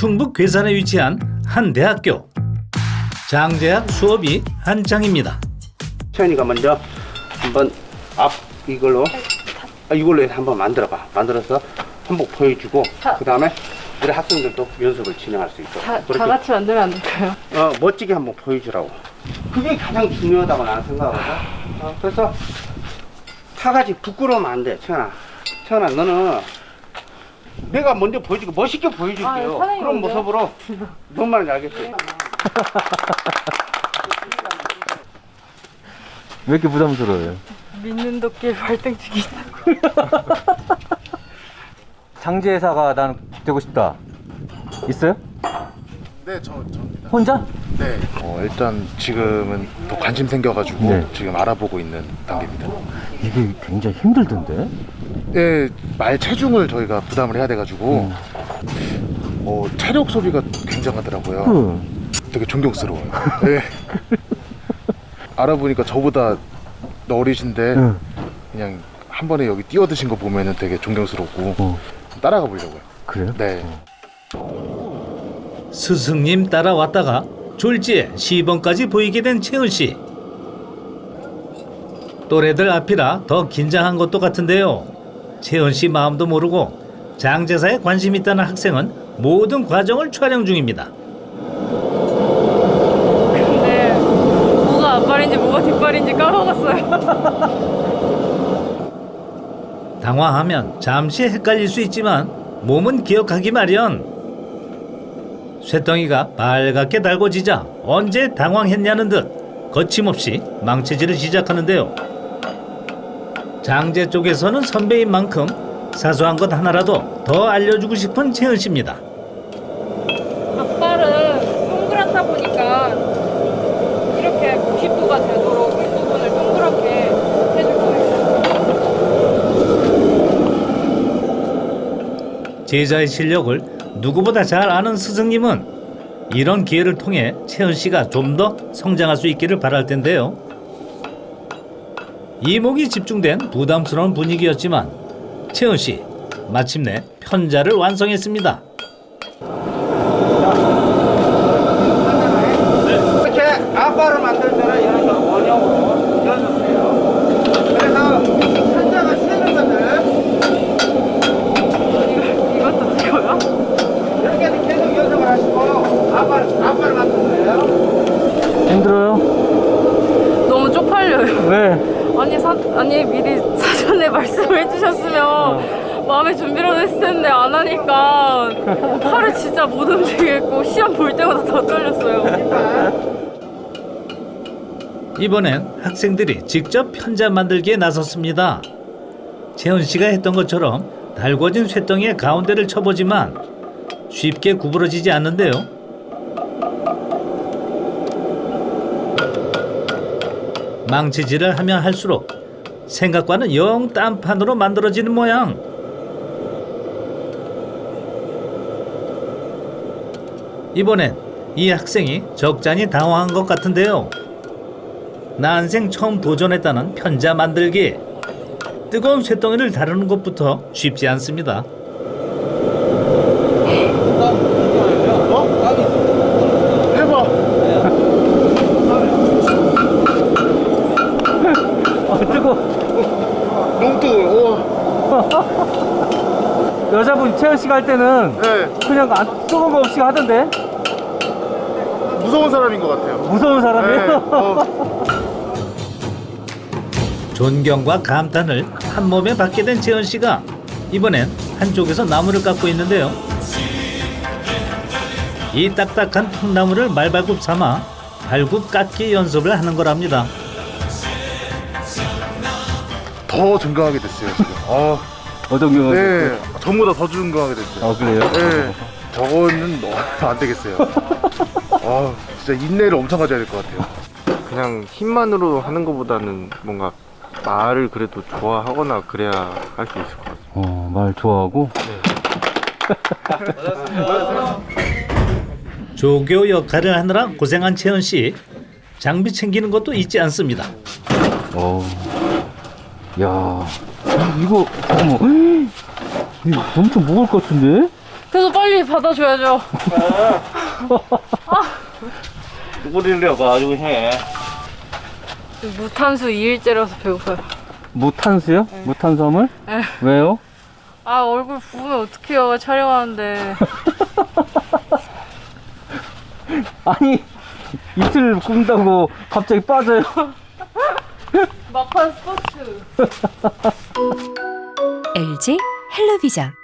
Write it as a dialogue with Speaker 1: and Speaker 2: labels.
Speaker 1: 충북 괴산에 위치한 한 대학교. 장제학 수업이 한창입니다.
Speaker 2: 채연이가 먼저 한번 앞 이걸로 해서 한번 만들어봐. 만들어서 한복 보여주고 그 다음에 우리 학생들도 연습을 진행할 수 있도록
Speaker 3: 다 같이 만들면 안 될까요?
Speaker 2: 멋지게 한번 보여주라고. 그게 가장 중요하다고 나는 생각하거든. 그래서 타가지 부끄러우면 안 돼. 채연아 너는 내가 먼저 보여주고 멋있게 보여줄게요. 그런 모습으로 뭔 말인지 알겠지?
Speaker 4: 왜 이렇게 부담스러워요?
Speaker 3: 믿는 도끼 발등치기.
Speaker 4: 장제사가 난 되고 싶다. 있어요?
Speaker 5: 네, 저입니다.
Speaker 4: 혼자?
Speaker 5: 네. 일단 지금은 더 관심 생겨가지고
Speaker 4: 네.
Speaker 5: 지금 알아보고 있는 단계입니다.
Speaker 4: 이게 굉장히 힘들던데?
Speaker 5: 네, 말 체중을 저희가 부담을 해야 돼가지고 체력 소비가 굉장하더라고요. 되게 존경스러워요. 네. 알아보니까 저보다 어리신데 그냥 한 번에 여기 뛰어드신 거 보면은 되게 존경스럽고 따라가 보려고요.
Speaker 4: 그래요?
Speaker 5: 네.
Speaker 1: 스승님 따라왔다가 졸지에 시범까지 보이게 된 채은 씨. 또래들 앞이라 더 긴장한 것도 같은데요. 채은 씨 마음도 모르고 장제사에 관심 있다는 학생은 모든 과정을 촬영 중입니다.
Speaker 3: 근데 뭐가 앞발인지 뭐가 뒷발인지 까먹었어요.
Speaker 1: 당황하면 잠시 헷갈릴 수 있지만 몸은 기억하기 마련. 쇳덩이가 빨갛게 달궈지자 언제 당황했냐는 듯 거침없이 망치질을 시작하는데요. 장제 쪽에서는 선배인 만큼 사소한 것 하나라도 더 알려주고 싶은 채은 씨입니다.
Speaker 3: 앞발은 동그랗다 보니까 이렇게 90도가 되도록 윗부분을 동그랗게 해줄 거예요.
Speaker 1: 제자의 실력을 누구보다 잘 아는 스승님은 이런 기회를 통해 채은 씨가 좀 더 성장할 수 있기를 바랄 텐데요. 이목이 집중된 부담스러운 분위기였지만 채은 씨 마침내 편자를 완성했습니다.
Speaker 2: 이렇게 앞발을 만들 때는 이런 식으로 원형으로 연습해요. 그래서 천장을 세는 것을
Speaker 3: 이것도 되고요?
Speaker 2: 이렇게 계속 연습을 하시고 앞발을 만드는 거예요.
Speaker 4: 힘들어요?
Speaker 3: 너무 쪽팔려요.
Speaker 4: 왜?
Speaker 3: 아니 미리 사전에 말씀을 해주셨으면 마음의 준비라도 했을 텐데 안 하니까 팔을 진짜 못 움직이겠고 시험 볼 때마다 더 떨렸어요.
Speaker 1: 이번엔 학생들이 직접 편자 만들기에 나섰습니다. 채은 씨가 했던 것처럼 달궈진 쇳덩이의 가운데를 쳐보지만 쉽게 구부러지지 않는데요. 망치질을 하면 할수록 생각과는 영 딴판으로 만들어지는 모양. 이번엔 이 학생이 적잖이 당황한 것 같은데요. 난생 처음 도전했다는 편자 만들기. 뜨거운 쇳덩이를 다루는 것부터 쉽지 않습니다.
Speaker 5: 해봐.
Speaker 4: 뜨거.
Speaker 5: 너무 뜨거워.
Speaker 4: 여자분 채연 씨가 할 때는
Speaker 5: 네.
Speaker 4: 그냥 안 뜨거운 거 없이 하던데?
Speaker 5: 무서운 사람인 것 같아요.
Speaker 4: 무서운 사람이에요?
Speaker 1: 존경과 감탄을 한 몸에 받게 된 채은 씨가 이번엔 한쪽에서 나무를 깎고 있는데요. 이 딱딱한 통나무를 말발굽 삼아 발굽 깎기 연습을 하는 거랍니다.
Speaker 5: 더 존경하게 됐어요 지금.
Speaker 4: 어떤 경우?
Speaker 5: 네, 전보다 더 존경하게 됐어요.
Speaker 4: 그래요?
Speaker 5: 네, 저거는 안 되겠어요. 진짜 인내를 엄청 가져야 될 것 같아요.
Speaker 6: 그냥 힘만으로 하는 것보다는 뭔가 말을 그래도 좋아하거나 그래야 할 수 있을 것 같아요.
Speaker 4: 말 좋아하고?
Speaker 1: 조교 역할을 하느라 고생한 채은 씨. 장비 챙기는 것도 잊지 않습니다.
Speaker 4: 야, 이거 어머, 이거 엄청 무거울 것 같은데?
Speaker 3: 그래서 빨리 받아줘야죠.
Speaker 2: 누구를 가지고 해.
Speaker 3: 무탄수 2일째라서 배고파요.
Speaker 4: 무탄수요?
Speaker 3: 네.
Speaker 4: 무탄수화물?
Speaker 3: 네.
Speaker 4: 왜요?
Speaker 3: 아, 얼굴 부으면 어떡해요, 촬영하는데.
Speaker 4: 아니 이틀 굶다고 갑자기 빠져요.
Speaker 3: 막판 스포츠.
Speaker 7: LG 헬로비전